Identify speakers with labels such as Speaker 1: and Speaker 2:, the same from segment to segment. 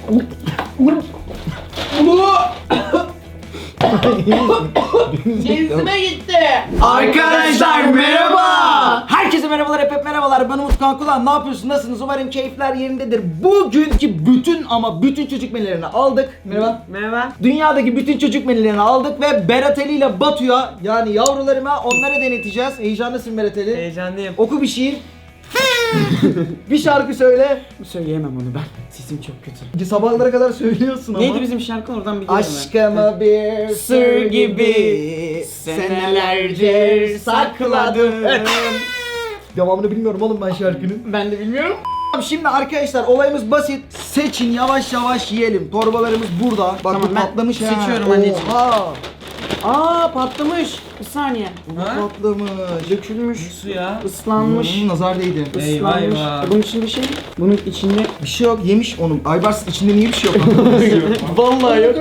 Speaker 1: Cinsime gitti.
Speaker 2: Arkadaşlar merhaba. Herkese merhabalar, hep merhabalar. Ben Umut Kankulan. Ne yapıyorsun? Nasılsınız? Umarım keyifler yerindedir. Bugünkü bütün çocuk menülerini aldık. Merhaba.
Speaker 1: Merhaba.
Speaker 2: Dünyadaki bütün çocuk menülerini aldık ve Berat Ali ile Batu'ya, yani yavrularıma, onlara deneteceğiz. Heyecanlısın Berat Ali.
Speaker 1: Heyecanlıyım.
Speaker 2: Oku bir şiir. Bir şarkı söyle.
Speaker 1: Söyleyemem onu ben. Sesim çok kötü.
Speaker 2: Sabahlara kadar söylüyorsun ama.
Speaker 1: Neydi bizim şarkı, oradan biliyorum
Speaker 2: Aşkımı bir sır gibi senelerce sakladım. Devamını bilmiyorum oğlum ben şarkının.
Speaker 1: Ben de bilmiyorum.
Speaker 2: Şimdi arkadaşlar olayımız basit. Seçin, yavaş yavaş yiyelim. Torbalarımız burada. Bak
Speaker 1: Tamam,
Speaker 2: bu
Speaker 1: ben
Speaker 2: patlamış ha.
Speaker 1: seçiyorum anneciğim.
Speaker 2: Oha.
Speaker 1: Aa, patlamış. Bir saniye.
Speaker 2: Patlamış.
Speaker 1: Dökülmüş.
Speaker 3: Suya.
Speaker 1: Islanmış.
Speaker 2: Nazar değdi.
Speaker 3: Eyvah
Speaker 1: Islanmış.
Speaker 3: eyvah.
Speaker 1: Bunun içinde şey. Bunun içinde.
Speaker 2: Bir şey yok, yemiş onu. Aybars içinde niye bir şey yok?
Speaker 1: Vallahi yok.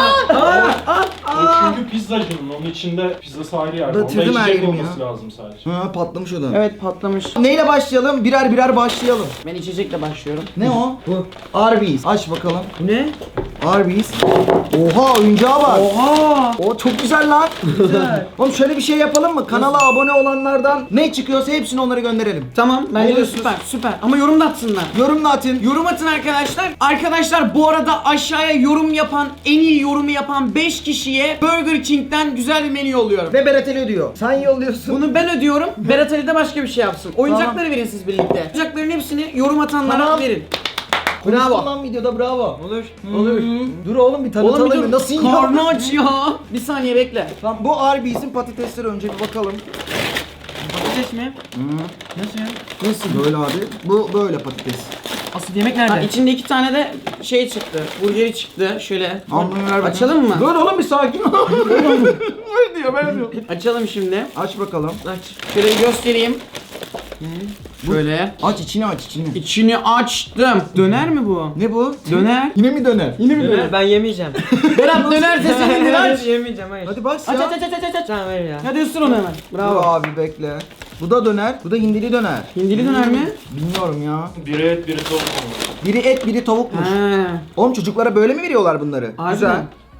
Speaker 3: O çünkü pizzacının, onun içinde pizzası ayrı yerde. Onda
Speaker 2: Batırdım her
Speaker 3: içecek
Speaker 2: yerimi
Speaker 3: olması
Speaker 2: ya.
Speaker 3: lazım sadece.
Speaker 2: Ha, patlamış o da.
Speaker 1: Evet, patlamış.
Speaker 2: Neyle başlayalım? Birer birer başlayalım.
Speaker 1: Ben içecekle başlıyorum.
Speaker 2: Ne o? Bu. Arby's. Aç bakalım.
Speaker 1: Bu ne?
Speaker 2: Arby's. Oha, oyuncağa bak.
Speaker 1: Oha.
Speaker 2: O çok güzel lan.
Speaker 1: Güzel.
Speaker 2: Oğlum şöyle bir şey yapalım mı? Kanala abone olanlardan ne çıkıyorsa hepsini onlara gönderelim.
Speaker 1: Tamam, bence de
Speaker 2: Oluyorsunuz.
Speaker 1: süper. Ama yorum da atsınlar.
Speaker 2: Yorumla atın.
Speaker 1: Yorum atın arkadaşlar. Arkadaşlar bu arada aşağıya yorum yapan, en iyi yorumu yapan 5 kişiye Burger King'den güzel bir menü yolluyorum.
Speaker 2: Ve Berat Ali ödüyor. Sen yolluyorsun.
Speaker 1: Bunu ben ödüyorum. Berat Ali de başka bir şey yapsın. Oyuncakları verin siz birlikte. Oyuncakların hepsini yorum atanlara
Speaker 2: Tamam.
Speaker 1: verin.
Speaker 2: Bravo. Lan videoda bravo.
Speaker 1: Olur.
Speaker 2: Dur oğlum bir tanıtalım.
Speaker 1: Oğlum bir dur.
Speaker 2: Nasıl yiyor?
Speaker 1: Karnı aç ya. Bir saniye bekle.
Speaker 2: Tamam, bu Arby's'in patatesleri önce bir bakalım.
Speaker 1: Patates mi? Nasıl ya?
Speaker 2: Nasıl? Böyle abi. Bu böyle patates.
Speaker 1: Asıl yemek nerede? Ha, içinde 2 tane de şey çıktı. Burgeri çıktı. Şöyle.
Speaker 2: Almayı ver bakayım.
Speaker 1: Açalım mı?
Speaker 2: Dur oğlum bir sakin ol. Öyle diyor, ben diyor.
Speaker 1: Açalım şimdi.
Speaker 2: Aç bakalım.
Speaker 1: Aç. Şöyle bir göstereyim. Şöyle.
Speaker 2: Aç içini, aç içini.
Speaker 1: İçini açtım. Döner mi bu?
Speaker 2: Ne bu?
Speaker 1: Döner.
Speaker 2: Yine mi döner? Yine mi döner?
Speaker 3: Ben yemeyeceğim.
Speaker 1: Berat döner sesini aç.
Speaker 3: Yemeyeceğim, hayır.
Speaker 2: Hadi bas
Speaker 1: Aç
Speaker 2: ya.
Speaker 1: aç aç aç aç.
Speaker 3: Tamam ver ya.
Speaker 1: Hadi ısır onu hemen.
Speaker 2: Dur
Speaker 1: Bravo.
Speaker 2: abi bekle. Bu da döner. Bu da hindili döner.
Speaker 1: Hindili döner mi?
Speaker 2: Bilmiyorum ya.
Speaker 3: Biri et, biri tavuk olmalı.
Speaker 2: Biri et, biri tavukmuş.
Speaker 1: He.
Speaker 2: Oğlum çocuklara böyle mi veriyorlar bunları?
Speaker 1: Harbiden.
Speaker 2: Güzel.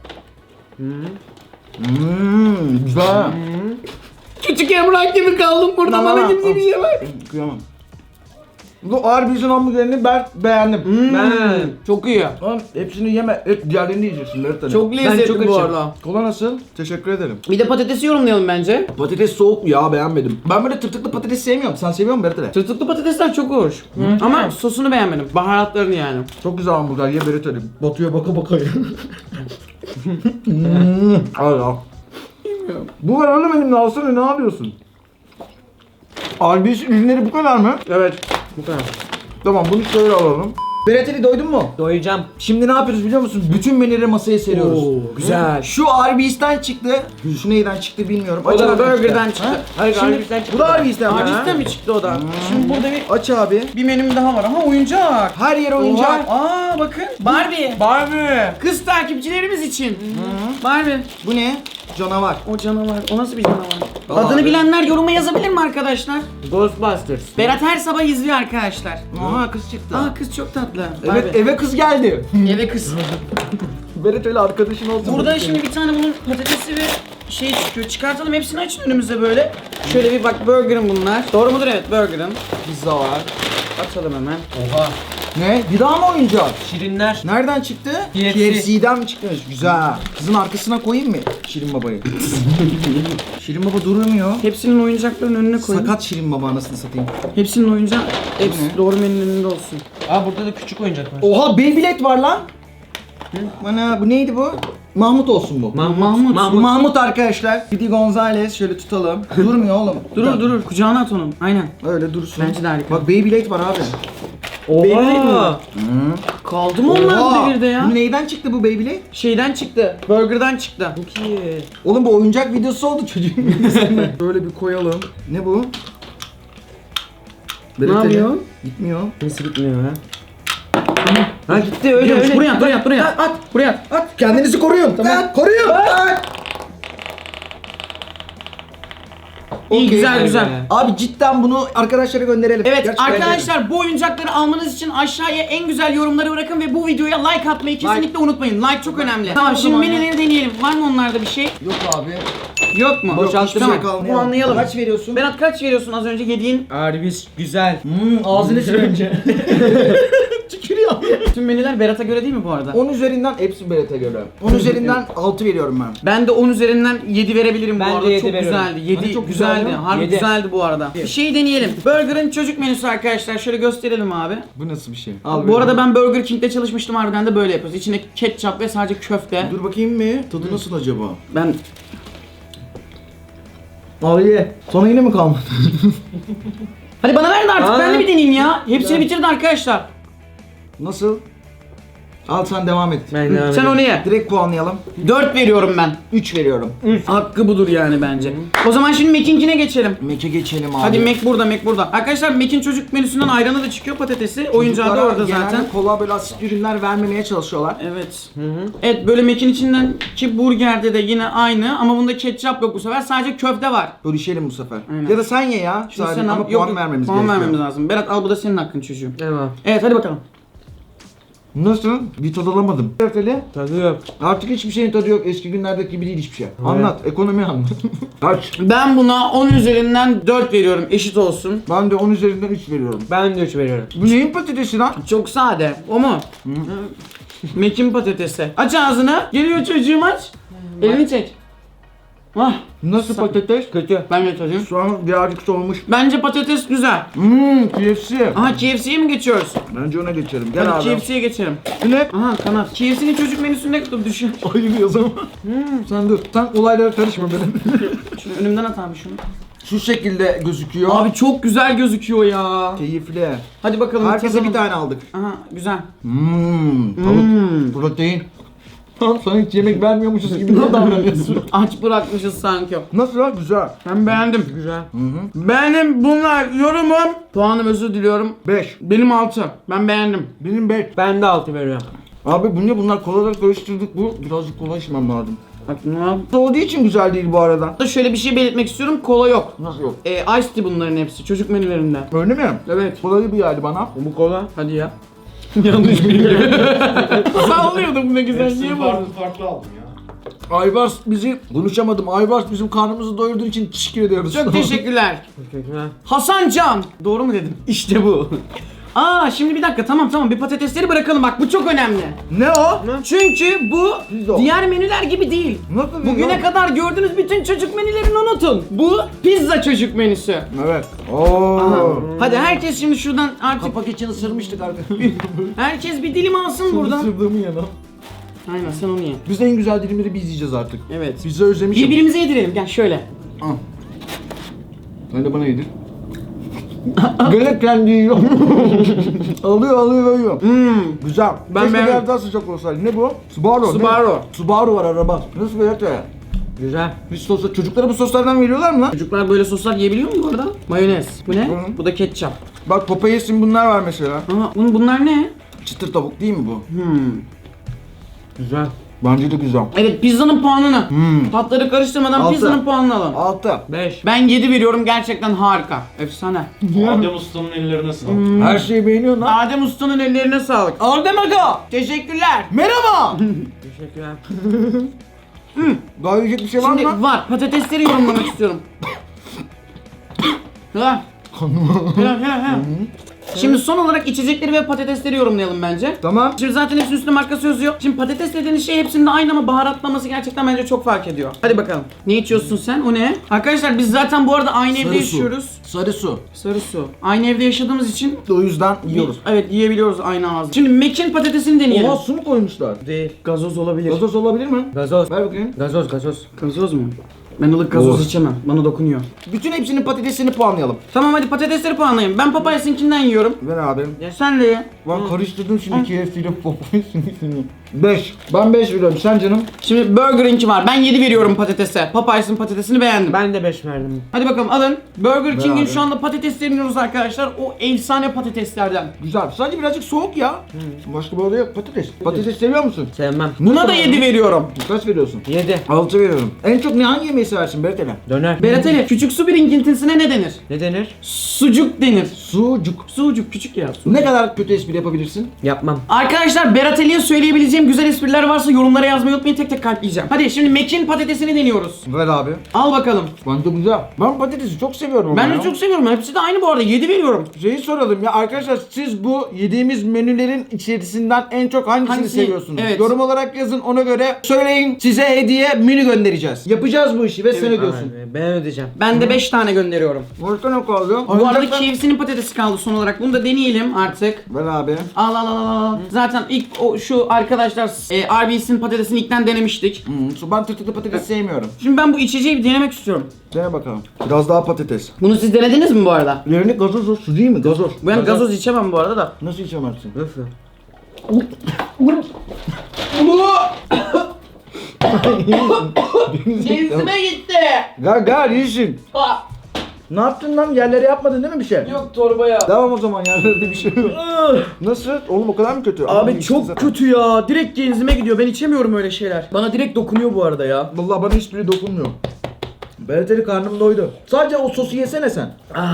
Speaker 2: Güzel.
Speaker 1: Küçük Emrah gibi kaldım burada,
Speaker 2: Tamam,
Speaker 1: bana kimse
Speaker 2: tamam.
Speaker 1: bir şey ver.
Speaker 2: Kıyamam. Bu Arby's'in hamburgerini ben beğendim.
Speaker 1: Ben. Çok iyi.
Speaker 2: Oğlum hepsini yeme. Diğerlerini yiyeceksin Berat Ali.
Speaker 1: Çok lezzetli
Speaker 3: çok
Speaker 1: bu
Speaker 3: açım.
Speaker 1: arada.
Speaker 2: Kola nasıl? Teşekkür ederim.
Speaker 1: Bir de patatesi yorumlayalım bence.
Speaker 2: Patates soğuk ya, beğenmedim. Ben böyle tırtıklı patates sevmiyorum. Sen seviyor musun Berat Ali?
Speaker 1: Tırtıklı patatesler çok hoş. Ama sosunu beğenmedim. Baharatlarını yani.
Speaker 2: Çok güzel hamburger, ye Berat Ali. Batu'ya baka baka ye. Al ya. Bu var oğlum elimde, alsana, ne yapıyorsun? Arby's ürünleri bu kadar mı?
Speaker 1: Evet. Bu kadar.
Speaker 2: Tamam, bunu şöyle alalım. Berat Ali, doydun mu?
Speaker 3: Doyacağım.
Speaker 2: Şimdi ne yapıyoruz biliyor musun? Bütün menüleri masaya seriyoruz.
Speaker 1: güzel.
Speaker 2: Şu Arby's'ten çıktı. Şu neyden çıktı bilmiyorum.
Speaker 1: O da
Speaker 2: abi
Speaker 1: Burger'den
Speaker 2: işte.
Speaker 1: çıktı.
Speaker 2: Ha?
Speaker 1: Hayır,
Speaker 2: Şimdi,
Speaker 1: Arby's'ten çıktı.
Speaker 2: bu da Arby's'ten mi?
Speaker 1: Arby's'ten mi çıktı o da? Şimdi burada
Speaker 2: Aç abi.
Speaker 1: bir menüm daha var ama oyuncak.
Speaker 2: Her yer oyuncak.
Speaker 1: Aa bakın. Barbie. Barbie. Kız takipçilerimiz için. Barbie.
Speaker 2: Bu ne? Canavar.
Speaker 1: O canavar. O nasıl bir canavar?
Speaker 2: Aa,
Speaker 1: Adını
Speaker 2: abi.
Speaker 1: bilenler yoruma yazabilir mi arkadaşlar? Ghostbusters. Berat her sabah izliyor arkadaşlar.
Speaker 2: Aha, kız çıktı.
Speaker 1: Aa, kız çok tatlı.
Speaker 2: Evet,
Speaker 1: Barbie.
Speaker 2: eve kız geldi.
Speaker 1: Eve kız.
Speaker 2: Berat öyle arkadaşın olsun.
Speaker 1: Burada şimdi bir tane bunun patatesi ve şey çıkıyor. Çıkartalım, hepsini açın önümüze böyle. Şöyle bir bak, burger'ın bunlar. Doğru mudur? Evet, burger'ın. Pizza var. Açalım hemen.
Speaker 3: Oha.
Speaker 2: Ne? Bir daha mı oyuncak?
Speaker 3: Şirinler.
Speaker 2: Nereden çıktı?
Speaker 3: KFC.
Speaker 2: KFC'den mi çıkmış? Güzel. Kızın arkasına koyayım mı Şirin Baba'yı? Şirin Baba durmuyor.
Speaker 1: Hepsinin oyuncaklarının önüne koyun.
Speaker 2: Sakat Şirin Baba, anasını satayım.
Speaker 1: Hepsinin oyuncağı, hepsi
Speaker 2: ne?
Speaker 1: doğru menünün önünde olsun.
Speaker 3: Aa, burada da küçük oyuncak var.
Speaker 2: Oha, Beyblade var lan. Bana bu neydi bu? Mahmut olsun bu.
Speaker 1: Mahmut.
Speaker 2: Bu Mahmut arkadaşlar. Speedy Gonzales, şöyle tutalım. Durmuyor oğlum.
Speaker 1: Durur, kucağına at onun. Aynen.
Speaker 2: Öyle dursun.
Speaker 1: Bence de harika.
Speaker 2: Bak Beyblade var abi.
Speaker 1: Beyblade mi?
Speaker 3: Oha.
Speaker 1: Kaldı mı onlar bu devirde ya?
Speaker 2: Bu neyden çıktı bu Beyblade?
Speaker 1: Şeyden çıktı. Burger'dan çıktı.
Speaker 3: Çok iyi.
Speaker 2: Oğlum bu oyuncak videosu oldu çocuğun videosunda. Böyle bir koyalım. Ne bu?
Speaker 1: Ne yapıyor?
Speaker 2: Gitmiyor.
Speaker 3: Nasıl gitmiyor ha?
Speaker 1: Ha gitti, öyle öyle. Buraya at.
Speaker 2: At.
Speaker 1: Buraya at.
Speaker 2: At. Kendinizi koruyun. Tamam. Koruyun. At.
Speaker 1: İyi,
Speaker 2: Okey.
Speaker 1: güzel güzel.
Speaker 2: Abi cidden bunu arkadaşlara gönderelim.
Speaker 1: Evet
Speaker 2: Gerçekten
Speaker 1: arkadaşlar bu oyuncakları almanız için aşağıya en güzel yorumları bırakın ve bu videoya like atmayı kesinlikle unutmayın. Like çok önemli. Tamam
Speaker 2: O
Speaker 1: şimdi
Speaker 2: zaman ya.
Speaker 1: menüleri deneyelim. Var mı onlarda bir şey?
Speaker 2: Yok abi.
Speaker 1: Yok mu?
Speaker 2: Yok, hiçbir
Speaker 1: Tamam.
Speaker 2: şey kalmayalım.
Speaker 1: Puanlayalım.
Speaker 2: Kaç veriyorsun?
Speaker 1: Berat kaç veriyorsun az önce yediğin?
Speaker 3: Arby's güzel.
Speaker 2: Ağzını sil önce. Tükürüyor.
Speaker 1: Tüm menüler Berat'a göre değil mi bu arada?
Speaker 2: 10 üzerinden hepsi Berat'a göre. 10 üzerinden 6 veriyorum ben.
Speaker 1: Ben de 10 üzerinden 7 verebilirim
Speaker 3: Ben
Speaker 1: bu
Speaker 3: de
Speaker 1: arada.
Speaker 3: 7
Speaker 1: Çok
Speaker 3: veriyorum.
Speaker 1: güzeldi. 7
Speaker 2: Hani çok
Speaker 1: güzeldi.
Speaker 2: güzeldi.
Speaker 1: Harbi
Speaker 3: 7.
Speaker 1: güzeldi bu arada. Bir şey deneyelim. Burger'ın çocuk menüsü arkadaşlar. Şöyle gösterelim abi.
Speaker 2: Bu nasıl bir şey?
Speaker 1: Bu arada ben Burger King'de çalışmıştım, harbiden de böyle yapıyoruz. İçine ketçap ve sadece köfte.
Speaker 2: Dur bakayım mı? Tadı nasıl acaba?
Speaker 1: Ben
Speaker 2: Abi ye. Sana yine mi kalmadı?
Speaker 1: hadi bana ver de artık,
Speaker 3: Aa.
Speaker 1: ben de bir deneyeyim ya. Hepsini bitirdi arkadaşlar.
Speaker 2: Nasıl? Al sen devam et.
Speaker 1: Sen onu ye.
Speaker 2: Direkt puanlayalım.
Speaker 1: 4 veriyorum ben.
Speaker 2: 3 veriyorum.
Speaker 1: Hakkı budur yani bence. O zaman şimdi Mac'inkine geçelim.
Speaker 2: Mac'e geçelim abi.
Speaker 1: Hadi Mac burada, Mac burada. Arkadaşlar Mac'in çocuk menüsünden ayranı da çıkıyor, patatesi. Oyuncağı da
Speaker 2: Çocuklara
Speaker 1: orada
Speaker 2: genelde
Speaker 1: zaten.
Speaker 2: kola böyle asit ürünler vermemeye çalışıyorlar.
Speaker 1: Evet. Evet, böyle Mac'in içindeki burgerde de yine aynı ama bunda ketçap yok bu sefer. Sadece köfte var.
Speaker 2: Bölüşelim bu sefer.
Speaker 1: Aynen.
Speaker 2: Ya da sen ye ya.
Speaker 1: Şimdi
Speaker 2: Sadece
Speaker 1: sen
Speaker 2: ama
Speaker 1: al.
Speaker 2: puan vermemiz
Speaker 1: puan
Speaker 2: gerekiyor.
Speaker 1: vermemiz lazım. Berat al, bu da senin hakkın çocuğum.
Speaker 3: Tamam.
Speaker 1: Evet hadi bakalım.
Speaker 2: Nasıl? Bir tad alamadım. Köfteli.
Speaker 3: Tadı yok.
Speaker 2: Artık hiçbir şeyin tadı yok. Eski günlerdeki gibi değil hiçbir şey. Anlat. Ekonomi anlat. Kaç?
Speaker 1: Ben buna 10 üzerinden 4 veriyorum, eşit olsun.
Speaker 2: Ben de 10 üzerinden 3 veriyorum.
Speaker 3: Ben de 3 veriyorum.
Speaker 2: Bu neyin patatesi lan?
Speaker 1: Çok sade. O mu? Mac'in patatesi. Aç ağzını. Geliyor çocuğum, aç. Elini çek. Ah,
Speaker 2: Nasıl patates?
Speaker 3: Kötü.
Speaker 1: ben de tadayım.
Speaker 2: Şu an birazcık soğumuş.
Speaker 1: Bence patates güzel.
Speaker 2: KFC.
Speaker 1: Aha, KFC'ye mi geçiyoruz?
Speaker 2: Bence ona geçelim. Gel
Speaker 1: Hadi
Speaker 2: abi.
Speaker 1: KFC'ye geçelim.
Speaker 2: Bu ne?
Speaker 1: Aha, kanat. KFC'nin çocuk menüsü ne kadar düşün.
Speaker 2: Ayılıyoruz ama. Sen dur. Sen olaylara karışma benim.
Speaker 1: Şunu önümden at abi şunu.
Speaker 2: Şu şekilde gözüküyor.
Speaker 1: Abi çok güzel gözüküyor ya.
Speaker 2: Keyifli.
Speaker 1: Hadi bakalım.
Speaker 2: Herkese
Speaker 1: tadalım.
Speaker 2: bir tane aldık.
Speaker 1: Aha, güzel.
Speaker 2: Tavuk. Protein. Sana hiç yemek vermiyormuşuz gibi ne davranıyorsun?
Speaker 1: Aç bırakmışız sanki.
Speaker 2: Nasıl lan? Güzel.
Speaker 1: Ben beğendim.
Speaker 3: Güzel.
Speaker 1: Benim bunlar yorumum. Puanım, özür diliyorum.
Speaker 2: 5.
Speaker 1: Benim 6. Ben beğendim.
Speaker 2: Benim 5.
Speaker 3: Ben de 6 veriyorum.
Speaker 2: Abi bu ne? Bunlar kolaları karıştırdık. Bu birazcık kola içmem lazım.
Speaker 1: Bak ne yap-
Speaker 2: Olduğu için güzel değil bu arada.
Speaker 1: Da şöyle bir şey belirtmek istiyorum. Kola yok.
Speaker 2: Nasıl yok?
Speaker 1: Ice tea bunların hepsi. Çocuk menülerinde.
Speaker 2: Öyle mi?
Speaker 1: Evet.
Speaker 2: Kolayı bir geldi bana.
Speaker 3: Bu kola.
Speaker 1: Hadi ya. Yanlış bilgi. Sallıyordum ne güzel. Niye bu?
Speaker 3: farklı aldım ya.
Speaker 2: Aybars bizi, konuşamadım. Aybars bizim karnımızı doyurduğu için teşekkür ediyoruz.
Speaker 1: Çok teşekkürler.
Speaker 3: Teşekkürler.
Speaker 1: Hasan Can. Doğru mu dedim? İşte bu. Aa, şimdi bir dakika, tamam bir patatesleri bırakalım, bak bu çok önemli.
Speaker 2: Ne o?
Speaker 1: Çünkü bu
Speaker 2: Pizza.
Speaker 1: diğer menüler gibi değil.
Speaker 2: Nasıl
Speaker 1: Bugüne kadar gördüğünüz bütün çocuk menülerini unutun. Bu pizza çocuk menüsü.
Speaker 2: Evet. Oo.
Speaker 1: Aha. Hadi herkes şimdi şuradan artık,
Speaker 2: Kapak için ısırmıştık arkadaşlar.
Speaker 1: herkes bir dilim alsın buradan.
Speaker 2: Isırdığımı yana.
Speaker 1: Aynen, sen onu ye.
Speaker 2: Biz en güzel dilimleri biz yiyeceğiz artık.
Speaker 1: Evet.
Speaker 2: Pizza özlemişim.
Speaker 1: Birbirimize yedirelim, gel şöyle.
Speaker 2: Al. Sen de bana yedir. Gene kendi yiyor. alıyor. Güzel.
Speaker 1: Ben
Speaker 2: Keşke
Speaker 1: beğendim.
Speaker 2: biraz daha sıcak olsaydı. Ne bu? Subaru.
Speaker 1: Subaru.
Speaker 2: Ne? Subaru var araba. Nasıl böyle ya?
Speaker 3: Güzel.
Speaker 2: Biz sosa, çocuklara bu soslardan veriyorlar mı lan?
Speaker 1: Çocuklar böyle soslar yiyebiliyor mu bu arada? Mayonez. Bu ne?
Speaker 2: Hı.
Speaker 1: Bu da ketçap.
Speaker 2: Bak Popeyes'in bunlar var mesela.
Speaker 1: Ama bunlar ne?
Speaker 2: Çıtır tavuk değil mi bu?
Speaker 3: Güzel.
Speaker 2: Bence de güzel.
Speaker 1: Evet, pizzanın puanını. Tatları karıştırmadan
Speaker 2: 6.
Speaker 1: pizzanın puanını alalım.
Speaker 2: 6.
Speaker 3: 5.
Speaker 1: Ben 7 veriyorum, gerçekten harika. Efsane.
Speaker 3: Adem Usta'nın ellerine sağlık.
Speaker 2: Her şeyi beğeniyorsun lan.
Speaker 1: Adem Usta'nın ellerine sağlık.
Speaker 2: Adem Aga.
Speaker 1: Teşekkürler.
Speaker 2: Merhaba.
Speaker 3: Teşekkürler.
Speaker 2: Daha yiyecek bir şey var
Speaker 1: Şimdi
Speaker 2: mı?
Speaker 1: var. Patatesleri yorumlamak istiyorum. Helal. Helal. Şimdi son olarak içecekleri ve patatesleri yorumlayalım bence.
Speaker 2: Tamam.
Speaker 1: Şimdi zaten hepsinin üstünde markası yazıyor. Şimdi patates dediğiniz şey hepsinde aynı ama baharatlaması gerçekten bence çok fark ediyor. Hadi bakalım. Ne içiyorsun sen? O ne? Arkadaşlar biz zaten bu arada aynı evde yaşıyoruz.
Speaker 2: Sarı su.
Speaker 1: Sarı su. Aynı evde yaşadığımız için
Speaker 2: O yüzden yiyoruz.
Speaker 1: evet, yiyebiliyoruz aynı ağızda. Şimdi Mac'in patatesini deneyelim.
Speaker 2: Oha su mu koymuşlar?
Speaker 3: Değil.
Speaker 1: Gazoz olabilir.
Speaker 2: Gazoz olabilir mi?
Speaker 3: Gazoz.
Speaker 2: Ver bakayım.
Speaker 3: Gazoz.
Speaker 1: Gazoz mu? Ben ılık gazoz
Speaker 2: Oh.
Speaker 1: içemem. Bana dokunuyor.
Speaker 2: Bütün hepsinin patatesini puanlayalım.
Speaker 1: Tamam hadi patatesleri puanlayayım. Ben Popeyes'inkinden yiyorum.
Speaker 2: Ver abi.
Speaker 1: Ya sen de ye.
Speaker 2: Ben karıştırdım şimdi KFC ile Popeyes'ini. 5. Ben 5 veriyorum. Sen canım?
Speaker 1: Şimdi Burger'inki var. Ben 7 veriyorum patatese. Popeyes'in patatesini beğendim.
Speaker 3: Ben de 5 verdim.
Speaker 1: Hadi bakalım alın. Burger King'in
Speaker 2: abi.
Speaker 1: şu anda patateslerini yiyoruz arkadaşlar. O efsane patateslerden.
Speaker 2: Güzel. Sadece birazcık soğuk ya. Başka bir olay yok. Patates. Patates seviyor musun?
Speaker 3: Sevmem.
Speaker 1: Buna da 7 veriyorum.
Speaker 2: Kaç veriyorsun?
Speaker 3: 7.
Speaker 2: 6 veriyorum. En çok ne hangi yemeği yemeği seversin Berateli?
Speaker 3: Döner.
Speaker 1: Berat Ali, küçük su birikintisine ne denir?
Speaker 3: Ne denir?
Speaker 1: Sucuk denir.
Speaker 2: Sucuk.
Speaker 1: Sucuk küçük ya.
Speaker 2: Ne kadar kötü espri yapabilirsin?
Speaker 3: Yapmam.
Speaker 1: Arkadaşlar Berat Ali'ye söyleyebileceğim güzel espriler varsa yorumlara yazmayı unutmayın, tek tek kalpleyeceğim. Hadi şimdi Mac'in patatesini deniyoruz.
Speaker 2: Ver abi.
Speaker 1: Al bakalım.
Speaker 2: Bence güzel. Ben patatesi çok seviyorum ama
Speaker 1: Ben
Speaker 2: ya.
Speaker 1: de çok seviyorum. Hepsi de aynı bu arada. 7 veriyorum.
Speaker 2: Şeyi soralım ya arkadaşlar, siz bu yediğimiz menülerin içerisinden en çok hangisini
Speaker 1: Hangisi?
Speaker 2: seviyorsunuz?
Speaker 1: Evet.
Speaker 2: Yorum olarak yazın, ona göre söyleyin, size hediye menü göndereceğiz. Yapacağız bu işi ve sen ödüyorsun.
Speaker 3: Aynen, ben ödeyeceğim.
Speaker 1: Ben de 5 tane gönderiyorum.
Speaker 2: Başka ne kaldı?
Speaker 1: Bu arada KFC'nin patatesi kaldı son olarak. Bunu da deneyelim artık.
Speaker 2: Ver abi.
Speaker 1: Al al al al. Zaten ilk şu arkadaşlar RB's'in patatesini ilkten denemiştik.
Speaker 2: Ben tırtıklı patates sevmiyorum.
Speaker 1: Şimdi ben bu içeceği bir denemek istiyorum.
Speaker 2: Dene bakalım. Biraz daha patates.
Speaker 1: Bunu siz denediniz mi bu arada?
Speaker 2: Yerini gazoz o, su değil mi? Gazoz.
Speaker 1: Ben gazoz içemem bu arada da.
Speaker 2: Nasıl içemezsin?
Speaker 3: Nasıl?
Speaker 1: Cinsime gitti.
Speaker 2: Gel iyisin. Ne yaptın lan? Yerlere yapmadın değil mi bir şey?
Speaker 1: Yok torbaya.
Speaker 2: Devam o zaman, yerlerde bir şey yok. Nasıl? Oğlum o kadar mı kötü?
Speaker 1: Abi
Speaker 2: içtin
Speaker 1: çok
Speaker 2: zaten.
Speaker 1: kötü ya. Direkt genzime gidiyor. Ben içemiyorum öyle şeyler. Bana direkt dokunuyor bu arada ya.
Speaker 2: Vallahi bana hiçbiri dokunmuyor. Berateli karnım doydu. Sadece o sosu yesene sen.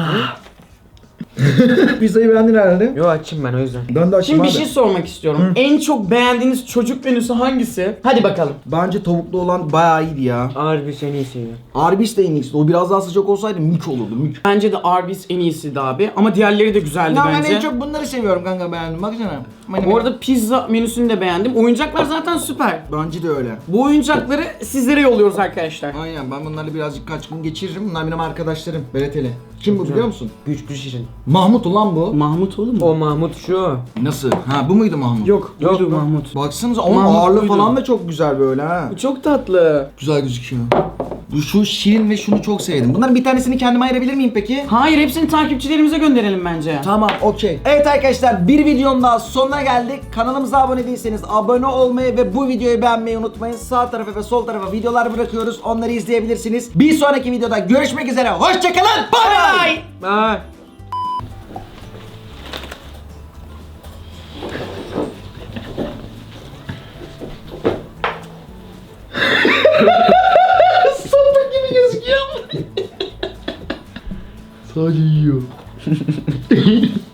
Speaker 2: Pizzayı beğendin herhalde.
Speaker 3: Yo açayım ben o yüzden.
Speaker 2: Ben de açayım
Speaker 1: Şimdi bir
Speaker 2: abi.
Speaker 1: şey sormak istiyorum. En çok beğendiğiniz çocuk menüsü hangisi? Hadi bakalım.
Speaker 2: Bence tavuklu olan bayağı iyiydi ya.
Speaker 3: Ağır bir seni seviyor.
Speaker 2: Arby's de en iyisi. O biraz daha sıcak olsaydı mük olurdu, mük.
Speaker 1: Bence de Arby's en iyisiydi abi. Ama diğerleri de güzeldi
Speaker 2: Ya ben
Speaker 1: bence.
Speaker 2: en çok bunları seviyorum kanka, beğendim. Baksana.
Speaker 1: Bu arada pizza menüsünü de beğendim. Oyuncaklar zaten süper.
Speaker 2: Bence de öyle.
Speaker 1: Bu oyuncakları sizlere yolluyoruz arkadaşlar.
Speaker 2: Aynen, ben bunlarla birazcık kaç gün geçiririm. Bunlar benim arkadaşlarım. Berateli. Kim bu biliyor musun?
Speaker 3: Güçlü şirin.
Speaker 2: Mahmut ulan bu.
Speaker 1: Mahmut oğlum mu?
Speaker 3: O Mahmut şu.
Speaker 2: Nasıl? Ha bu muydu Mahmut?
Speaker 1: Yok,
Speaker 3: Yok
Speaker 1: buydu
Speaker 3: mu?
Speaker 1: Mahmut.
Speaker 2: Baksanıza onun
Speaker 1: Mahmut
Speaker 2: ağırlığı
Speaker 1: buydu.
Speaker 2: falan da çok güzel böyle ha.
Speaker 1: Bu çok tatlı.
Speaker 2: Güzel gözüküyor. Bu şu şirin ve şunu çok sevdim. Bunların bir tanesini kendime ayırabilir miyim peki?
Speaker 1: Hayır, hepsini takipçilerimize gönderelim bence.
Speaker 2: Tamam, okey. Evet arkadaşlar, bir videonun daha sonuna geldik. Kanalımıza abone değilseniz abone olmayı ve bu videoyu beğenmeyi unutmayın. Sağ tarafa ve sol tarafa videolar bırakıyoruz. Onları izleyebilirsiniz. Bir sonraki videoda görüşmek üzere. Hoşçakalın. Bye bye.
Speaker 3: Bye.
Speaker 1: Sapık gibi gözüküyor.
Speaker 2: Sadece yiyor.